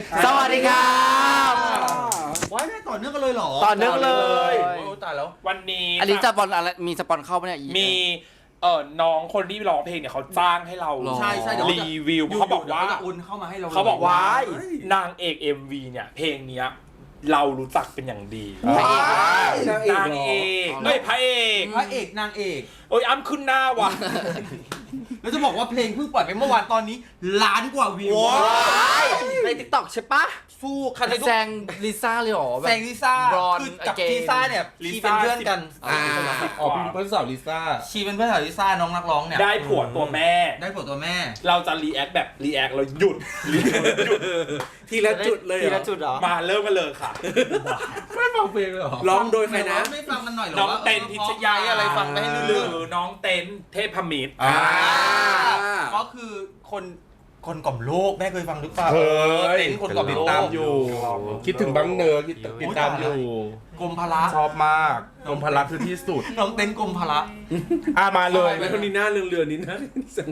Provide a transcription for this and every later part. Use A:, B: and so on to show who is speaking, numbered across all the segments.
A: สวัสดีครับ
B: ว้ายได้ต่อเนื่องกันเลยเหรอ
A: ต่อเนื่องเลย
B: โอ้ตายแล้ว
C: วันนี้
A: อันนี้สปอนอะไรมีสปอนเข้าปะเนี่ย
C: มีน้องคนที่ร้องเพลงเนี่ยเขาจ้างให้เรา
B: ใช่เดี๋ยว
C: รีวิวเขาบอกว่า
B: จะอุ่นเข้ามาให้เรา
C: เขาบอกว่านางเอก MV เนี่ยเพลงเนี้ยเรารู้จักเป็นอย่างดี
A: พระเอก
C: นางเอกไม่พระเอก
B: พระเอกนางเอก
C: โอ้ยอ้ำขึ้นหน้าว่ะ
B: แล้วจะบอกว่าเพลงเพิ่งปล่อยไปเมื่อวานตอนนี้ล้านกว่าวิว
A: ในติ๊กต็อกใช่ปะ
B: สู้คันไทย
A: แซงลิซ่าเลยเหรอแบบ
B: แซงลิซ่า
A: Born
B: คือกับ
A: Again
B: ลิซ่าเนี่ยชีเป็นเพื่อนกัน
D: อ๋อเป็นเพื่อนสาวลิซ่า
B: ชีเป็นเพื่อนกับลิซ่าน้องนักร้องเนี่ย
C: ได้ผัวตัวแม่
B: ได้ผัวตัวแม่
C: เราจะรีแอคแบบรีแอคเราหยุดหยุด
D: ทีละจุดเลย
A: ทีละจุดเหรอ
C: มาเริ่มกันเลยค่ะ
D: ไม่ฟังเพลงเลยเหรอร้องโดยใครนะ
B: ไม่ฟังกันหน่อยเหรอ
C: น้องเต้นพิชยา
B: อะไรฟังไปให้
C: ห
B: ลื่
C: รื
B: น
C: อน้องเต้นเทพมิตร
B: ๆก็คือคนกล่อมโลกแม่เคยฟังหรือเปล่า
D: เคย
B: เต้นคนกล่อม
D: ติ
B: โล
D: ด
B: ก
D: ตามอยู่ คิดถึงบังเนอร์ติดตามอยู่
B: กรมพละ
D: ชอบมากกรมพละคือที่สุด
B: น้องเต้นกรมพละ
D: มาเลย
B: แล้วคนนี้หน้าเรืองๆนี่นะ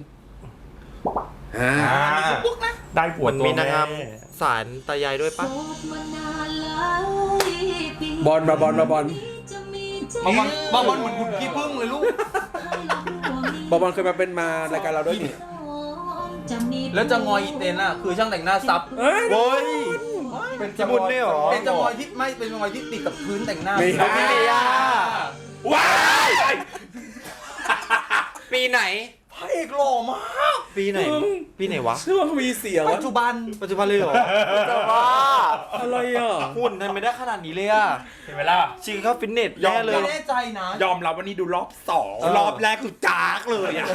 D: ได้ผัวตัว
A: มี
D: แม่
A: นางงามสารตายายด้วยปะ
D: บอลมาบอลมาบอล
B: บางวันเหมือนคุณพี่พึ่งเลยลูก
D: บอลเคยมาเป็นมารายการเราด้วยนี่
B: แล้วจะงอยอีเต้นอ่ะคือช่างแต่งหน้าซับ
A: โว้ย
D: เป็น
A: ญี่ปุ่นเนี่ยเหรอ
B: เป็นจะงอยที่ไม่เป็นงอยที่ติดกับพื้นแต่งหน้า
D: ไม่
A: พี่เมย่า
C: ว้าย
A: ปีไหน
B: พระเอกหล่อมาก
A: ปีไหน ปีไหนวะ
D: เชื่อว่ามีเสียง
B: ปัจจุบัน
A: ปัจจุบันเลยเหรอแต่ว่า
D: อะไรอ่ะ
A: หุ่นทำไมได้ขนาดนี้เลยอะ
C: เห็นไหมล่ะ
A: ชิงเข้าฟิตเนส
C: ยอม
A: แน่เล
B: ไม่
A: ย
B: แน่ใจนะ
C: ยอมรับวันนี้ดูรอบสองรอบแรกคือจากเลยอ่ะ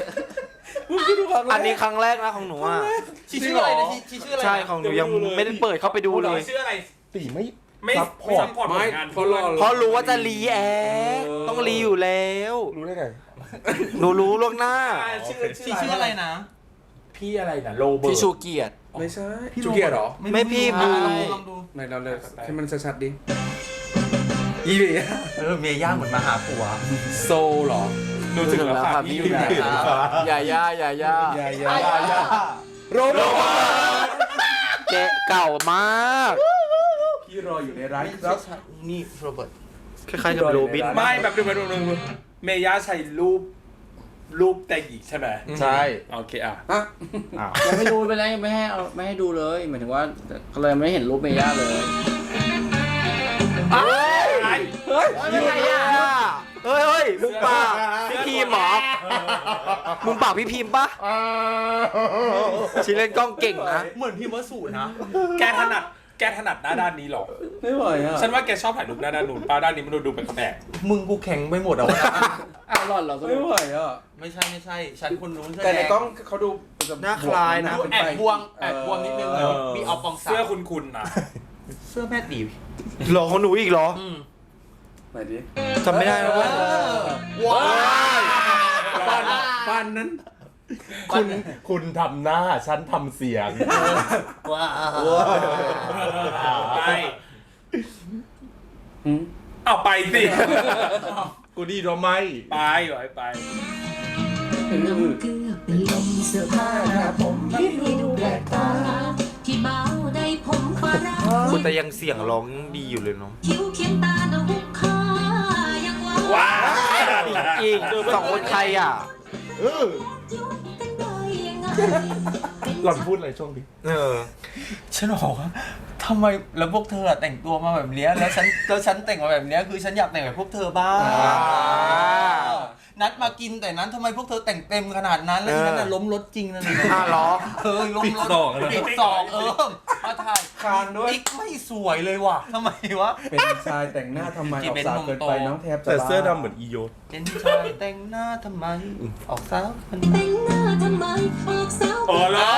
A: อันนี้ครั้งแรกนะของหนูอ่ะ
B: ชีชื่ออะไรนะชีชื่ออะไรนะ
A: ใช่ของหนูยังไม่ได้เปิดเข้าไปดูเลย
C: ชื่ออะไร
D: ตีไม่
C: ไม่
D: ซัพพ
C: ไม่
D: อร์
C: ซั
D: ต
C: พพอร์ตผลงาน
D: เพราะรอ
A: เพราะรู้ว่าจะรีแอคต้องรีอยู่แล้ว
D: รู้ได้ไง
A: หนูรู้ล่วงหน้า
B: ชีชื่ออะไรนะ
C: พี่อะไรนะโรเบิร์ต
A: พี่ชูเกียรติ
D: ไม่ใช่จูเกียร์เหรอ
A: ไม่พี่บู
B: ลองดู
D: ไหนเราเลยให้มันชัดๆดิอีเบีย
B: เมียย่างเหมือนมาหาผัว
D: โซเหรอ
C: ดูถึงแล้วค่ะพี่
A: อยู่ไหนอย่าย่าอย่าย่า
D: ยายาโรเบิร์ต
A: แกเก่ามาก
D: พี่รออยู่ในร้านครับ
B: นี่โรเบิร์ต
A: คล้ายๆกับโรบิน
C: ไม่แบบดูเมย่าใช้รูปแต่งหญิงใช่ไหม
D: ใช่
C: โอเคอ่ะ
E: ยังไม่ดูไปเลยไม่ให้ดูเลยหมายถึงว่าก็เลยไม่เห็นรูปเมย่าเลย
A: ยังไงอ่ะเฮ้ยมึงปากพี่พีมเหรอมึงปากพี่พีมปะชีเล่นกล้องเก่งนะ
B: เหมือนพิมพ์วสุนะ
C: แกถนัดหน้าด้านนี้หรอ
D: ไม่ไหวอ่ะ
C: ฉันว่าแกชอบถ่ายรูปหน้าด้านนู้นป้าด้านนี้มันดูแปลก
B: มึงกูแข็งไปหมดอ่ะวันนั้น
E: อ้าวหล่อนเหรอ
D: ไม่ไหวอ่ะ
B: ไม่ใช่ ฉันคนนู้น
D: แต่ในกล้องเขาดู
A: หน้าคล้ายนะ
B: ดูแอบบวงนิดนึงมีเอาปอง
C: ๆ
B: สา
C: เสื้อคุณนะ
B: เสื้อแม่ตี
A: หลอกของหนูอีกเหรอ
D: ไหนดิ
A: จำไม่ได้แล้วว่า
B: ว้าว
D: ฟันนั้น คุณทำหน้าฉันทำเสียง
B: ว้าว
C: ไปเอาไปสิ
D: กูดีหรอไม่
C: ไปไป
F: เกือบเป็นลมเสื้อผ้าหน้าผมที่ดูแปลกตาที่เบาได้ผมฟ้ารา
A: คุณแต่ยังเสียงร้องดีอยู่เลยเนาะ
F: คิ้วเขียนตาดอกค่ายังว่า
C: ว้า
A: อีกสองคนใครอ่ะ
F: ยุบกันได้ยังไง
D: หล่อนพูดอะไรช่วงนี้
B: ฉันบอกว่าทำไมแล้วพวกเธอแต่งตัวมาแบบเนี้ยแล้วฉันแต่งมาแบบเนี้ยคือฉันอยากแต่งแบบพวกเธอบ้างนัดมากินแต่นั้นทำไมพวกเธอแต่งเต็มขนาดนั้นแล้วฉันน่ะล้มรถจริงนะเนี่ย
A: เหรอ
B: ล้มรถปิดสองมาถ่ายคานด้วยอีกไม่สวยเลยว่ะทำไมวะ
G: เป็นชายแต่งหน้าทำไมออกสาวเกินไปน้องแทบจะ
D: แต่เสื้อ
G: บ้า
D: ดำเหมือนอีโย
B: เป็นชายแต่งหน้าทำไมออกสาวมัน
F: แต่งหน้าทำไมออกสาว
C: โอ้แล้ว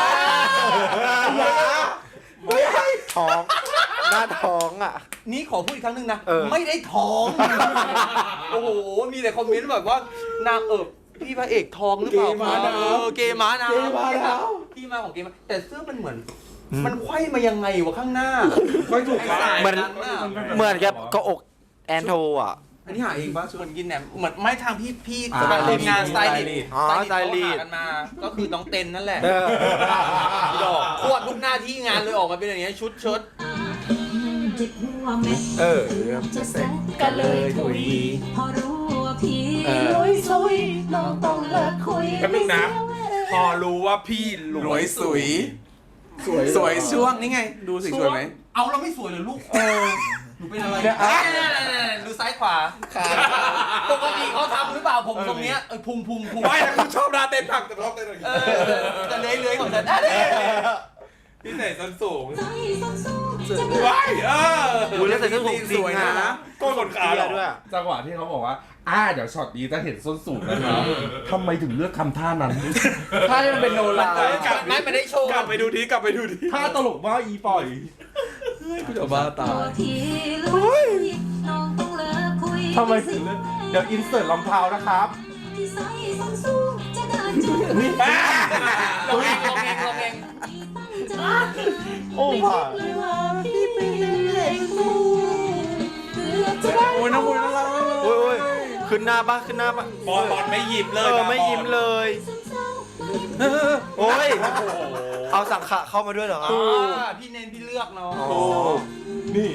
A: ท้องหน้าท้องอ่ะ
B: นี่ขอพูดอีกครั้งหนึงนะ
A: เออ
B: ไม่ได้ท้อง โอ้โหมีแต่คอมเมนต์แบบว่านางพี่พระเอกทองหรือเปล่าเกม้านะพี่มาของเกม้าแต่เสื้อมันเหมือน มันไขว้มายังไงวะข้างหน้า
D: ค่อยถูก
B: ไอ้สาย
A: เหมือน
B: นั้นน่ะ
A: เหมือนกับก็อกแอนโทอ่ะ
G: อันนี้หาเองป่ะ
B: เหมือนกินแหนมเหมือนไม่ทางพี่
G: อ่า
B: ทีมงานสไตลิสต์
A: อ๋อสไตลิสต์
B: เขาหากันมา ก็คือน้องเต็นนั่นแหละ
A: เออ
B: ดอกควบทุกหน้าที่งานเลยออกมาเป็นอย่างเงี้ยชุด
F: เจ็บหัวเม็ด
A: เออ
F: จะแซะกันเลยถุยพอรู้ว่าพี่ลุยน้องต้องเลิกคุย
C: แป๊บนึงนะ พอรู้ว่าพี่ร
G: ร
C: ว
G: วย ยสวยสวยช่วงนี่ไง ดูสิสวยไหม
B: เอาเราไม่สวยเลยลูกหนูเป็นอะไรดูซ้ายขวาปกติเขาทำหรือเปล่าผมตรงเนี้ยพุง
C: ไม่นะคุณชอบหน้าเต้นผักแต่ชอบเต้นอย่างนี้
B: จะเลื้อยของฉัน
C: พี่ใส่ส้นสูง
F: ใจต้องสู้จะเดิน
C: ว้าย
A: อุ้ยแล้วใส่เสื้อสูงจริงนะ
C: ก้นขนขาเหรอ
A: ด้วย
D: จังหวะที่เขาบอกว่าเดี๋ยวช็อตนี้จะเห็นส้นสูงแล้วนะทำไมถึงเลือกทำท่านั้น
G: ถ้าที่มันเป็นโนรา
B: ไม่ได้โชว์
C: กลับไปดูที
D: ท่าตลกมากอีปล่อย
G: กูจะบ้าตา
F: ตัวย พี่ลุยน้องต้องเลิกคุย
D: ทำไมถึงเลือกเดี๋ยวอินเสิร์ตรองเท้านะครับ
F: ที่ใส่ส้นสูงจะเดินจุด
B: ลงเอง
F: ที่ตั้งใจ
D: โอ้
F: ไม่
D: ผ่า
F: คิดเลยว่าพี่เป็นเลขคู่เพื่อจะได้
G: โอ้ยน้องบุญน่ารัก
A: โอ้ยขึ้นหน้าปะขึ้นหน้าปะ
C: บอลไม่ยิ้มเลย
A: ไม่ยิ้มเลย โอ้ย เอาสังขะเข้ามาด้วยเหรอครับ
B: พี่เน้นพี่เลือกเนาะ
A: อ๋อ
D: นี่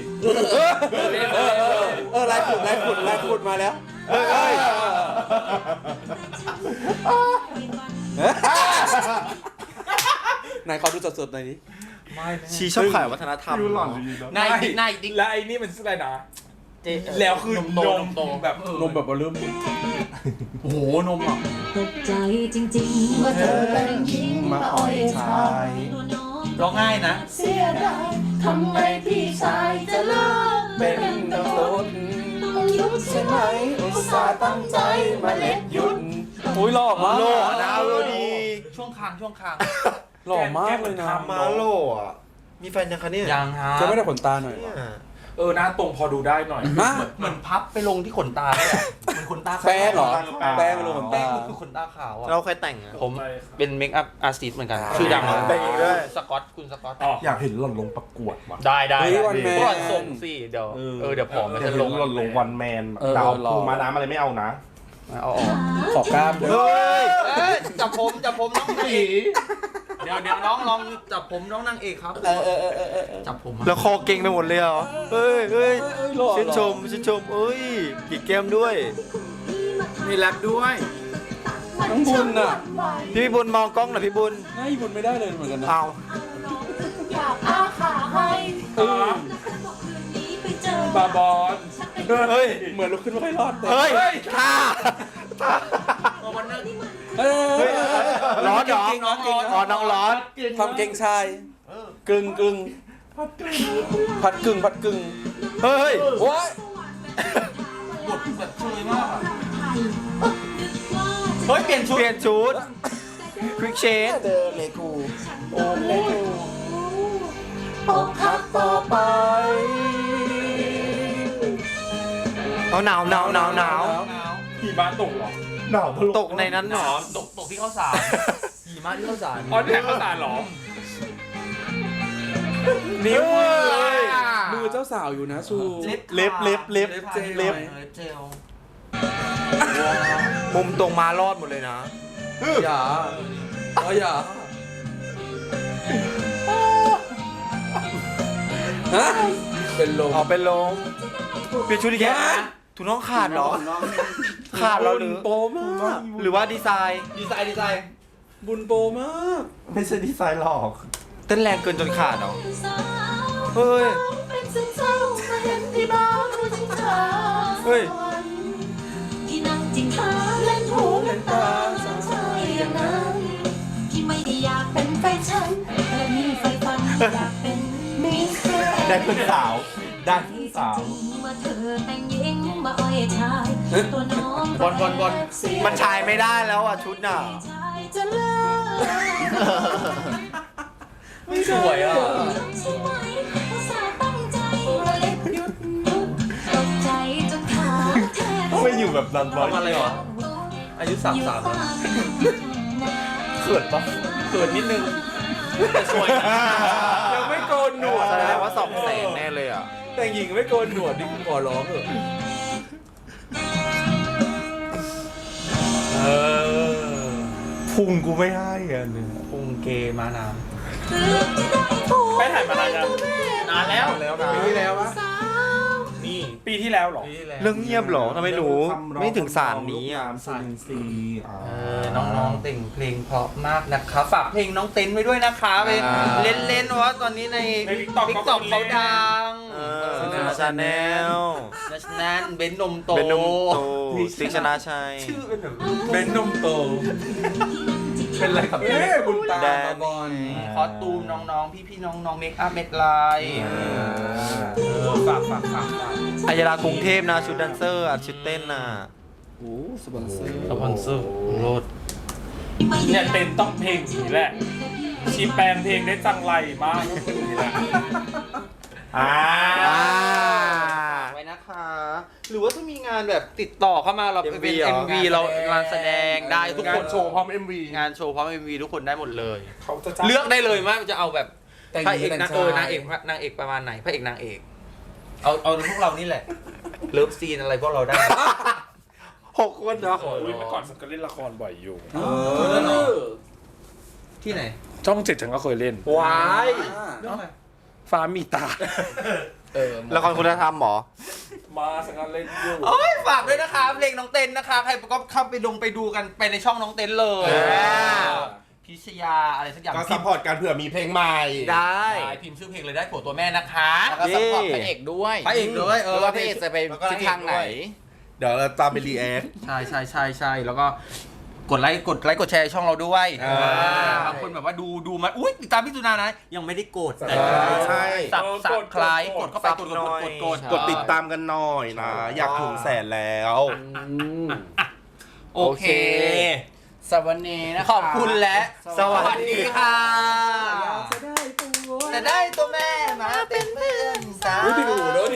G: ลายขุดมาแล้ว
A: เอ้ย
G: ไหนขอดูสดๆหน่อยดิ
A: ชีชอบขายวัฒนธรรม
D: ดูหล่อนดีนะ
B: นายดิ๊ก
C: และไอ้นี่มันชื่ออะไรนะ แล้วคือนมแบบ
G: นมแบบว่าเริ่ม
B: โอ้โหนมอ่ะ
F: ตกใจจริงๆว่าเธอแต่งหญิงมาอ่อยชายตัวน้อง
B: ร้องง่ายนะ
F: เสียดายทำไมพี่ชายจะเลิกเป็นตำรวจต้องหยุดใช่ไหมอุตส่าห์ตั้งใจมาเล็ดหยุด
G: อุ้ยหล่อมาก
A: โล่นะโล่ดี
B: ช่วงคาง
G: หล่อมากเลยนะ
A: มาโล่อะมีแฟนยังคะเนี่ย
B: ยังฮะ
G: จะไม่ได้ขนตาหน่อย
A: เนี่ย
C: หน้าตรงพอดูได้หน่อย
G: ฮะ
B: เหมือนพับไปลงที่ขนตาเลยอะเหมือนขนตาขาว
G: แป้งเหรอ แป้งลงขน
B: แป้
G: ตา
B: งมันคือขนตาขาวอ่ะ
A: เราเคยแต่งอะ
B: ผมเป็นเมคอัพอาร์ติสต์เหมือนกัน ชื่อดัง
A: แต่งเองด้วย
B: สกอตคุณสกอต
D: อยากเห็นหล่อนลงประกวดว่ะ
B: ได้
G: เฮ้ยวันแมน
B: ก่อนส่งสิเดี๋ยวเดี๋ยวผอมมัน
D: อยาก
B: จะ
D: เห็
B: ล
D: น
B: ง
D: หล่อนลงวันแมน
G: เออ
D: ดาว
G: รอ
D: ภูมาน้ำอะไรไม่เอานะ
B: เอาออก
G: ขอกล้ามด้วย
A: เฮ้ย
B: จับผมน้องนางเอกเดี๋ยวน้องลองจับผมน้องนางเอกครับจับผม
A: แล้วคอเก่งไปหมดเลยเหรอ เฮ้ยชื่นชมเอ้ยผีแก้มด้วย
G: มีแรปด้วย น้องบุญน่ะ
A: พี่บุญมองกล้องหน่อยพี่บุญ
G: หน้าบุญไม่ได้เลยเหมือนกันนะ
A: เอา
F: อยากอาขาให้
C: ครับ
F: บอกคืนนี้ไปเจอบ
C: าบอล
A: เฮ้ย
G: เหมือนลุกขึ้นไม่ค่อยรอดแต่
A: เฮ้ยท่า
B: วันนั้น
G: เฮ้ย
A: ร้อนเหรอ
G: เก่งๆน้องเก่งนะ
A: อ๋อน้องร้อน
G: ความเก่งชายกึ่งพัดกึ่ง
A: เฮ้ย
G: โอ้ย
B: บทแบบช่วยมากเฮ้ยเปลี่ยนชุด
A: เปลี่ยนชุดควิกเชน
G: เดินเลยกูโอ้เลกู
F: อกหักต่อไป
A: เอาหนาว
C: หิมะตกเหรอ
D: หนาวทะลุ
A: ตกในนั้นเหรอ
B: ตกที่ข้าวสารหิมะที่ข้าวสาร
C: อ๋อนี่แหละข้าวสารเหรอ
G: นิ้ว
A: เฮ้ย
G: มือเจ้าสาวอยู่นะชู
D: เล็บ
B: เจล
A: มุมตรงมารอดหมดเลยนะ
G: อย่าอย่าฮะเป็นลม
A: ออกเป็นลมเปลี่ยนชุดอีกแค่ถุงน้องขาดเหรอ ขาดเหรอหรือ
G: โปมาก
A: หรือว่าดีไซน์
B: ดีไซน์
G: บุญโปมาก
D: ไม่ใช่ดีไซน์หรอก
A: เต้นแรงเกินจนขาดเหรอ
F: สาว
A: เฮ้ย
F: เป็นซึมเศร้ามาเห็นที่บ้านรู้ชิงชา
A: เฮ้ย
F: ที่นั่งจิงขาเล่นหูเล่นตาสงสัยอย่างนั้นที่ไม่ได้อยากเป็นแฟนฉันแต่มีไฟฝันอยากเป็นมิสเตอร์
D: ได้เพื่อนสาว ได้เพื่อนสาว
F: จริงว่าเธอแต่งหญิงมาอ้อยชายตัวน้อง
B: บอล
A: มันชายไม่ได้แล้วอ่ะชุดน่ะ
F: ชายจะเลิก
B: ไม่สวยอ่ะ
F: ใช่ไหมอุตส่าห์ตั้งใจมาเล็บหยุดตกใจจนขาแทบ
D: ไม่อยู่แบบนั้นบ่อย
B: ทำอะไรหรอ อายุ33แล้ว
A: เขินปะ
B: เกิดนิดนึงแต่สวยนะ
G: ยังไม่โกนหนวด
A: แสดงว่า200,000แน่เลยอ่ะ
G: แต่งหญิงไม่โกนหนวดดิขอร้องเถอะ
D: พุงกูไม่ให้อ่ะเนี่ย
B: พุงเกมาน้
C: ไปถ่ายมานานยัง
B: ำนานแล้ว
D: ปีที่แล้ววะ
C: นี่ปีที่แล้วเหรอ
A: เรื่องเงียบเหรอทำไมหนูไม่ถึงสารนี้อ่ะ
D: สารซี
B: น้องๆแต่งเพลงเพราะมากนะคะฝากเพลงน้องเต้นไว้ด้วยนะคะไปเล่นๆว่าตอนนี้ใน
C: ใน TikTok
B: TikTok เขาดัง
A: ชาแนล
B: ดัชนันเบนนมโต
A: เป็นนมโตติ๊กชนะชัย
B: ชื่อเป็นแบบ
D: เบนนมโต เป็นอะไรกับบุญตา
A: แดน
D: บอล
B: คอสตูมน้องๆพี่ๆน้องๆเมคอัพเม็ดลายฝาก
A: อัยรากรุงเทพนะชุดแดนเซอร์อ่ะชุดเต้นน่ะ
E: โอ้สปอนเซอร์
B: สปอนเซอร์โลด
C: เนี่ยเต้นต้องเพลงนี้แหละชีแปลงเพลงได้จังไรมากก็คือนี่แหละ
B: ไว้นะคะ หรือว่าถ้ามีงานแบบติดต่อเข้ามาเราเป็น MV เรางานแสดงได้ทุกคน
D: โชว์พร้อม MV
B: งานโชว์พร้อม MV ทุกคนได้หมดเลย
C: เขาจะจ้าง
B: เลือกได้เลยว่าจะเอาแบบ
D: แต่ง
B: พระเอก
D: แต่ง
B: นาง
D: ชาย
B: นางเอกประมาณไหนพระเอกนางเอกเอาพวกเรานี่แหละเลิฟซีนอะไรพวกเราได้
A: 6 คนเหรอ
C: อุ้ยเมื่อก่อนฉันก็เล่นละครบ่อยอยู่
B: ที่ไหน
C: ช่องเจ็ดฉันก็เคยเล่น
A: ว้าย
C: ฟ้ามีตา
A: ละครคุณธรรมเหรอ
C: มาฉันก็เล่นอยู่
B: โอ้ยฝากด้วยนะคะเพลงน้องเต้นนะคะใครก็เข้าไปดูกันไปในช่องน้องเต้นเลย พิชยาอะไรสักอย่าง
D: ก็ซัพพอร์ตกันเผื่อมีเพลงใหม่
A: ได้
B: พิมพ์ชื่อเพลงเลยได้ผัวตัวแม่นะคะ
E: แล้วก็ซัพพอร์ตพระเอกด้วย
B: พระเอกด้วย
E: ไม่ว่าพระเอกจะไปทิศทางไหน
D: เดี๋ยวเราตามไปรีแอค
B: ใช่แล้วก็กดไลค์กดแชร์ช่องเราด้วย บางคนแบบว่าดูมาอุ้ยติดตามพี่สุนานะยังไม่ได้กดแต่
D: ใช่
B: สับคล้ายกดเข้าไปกด
D: กดติดตามกันหน่อยนะ อยากถึง100,000แล้ว
B: โอเค
E: สวัสดีนะคะ
B: ขอบคุณและสวัสดีค่ะ
E: จะได้ตัว
B: จะได้ตัวแม่มาเป็นเพื่อนสาว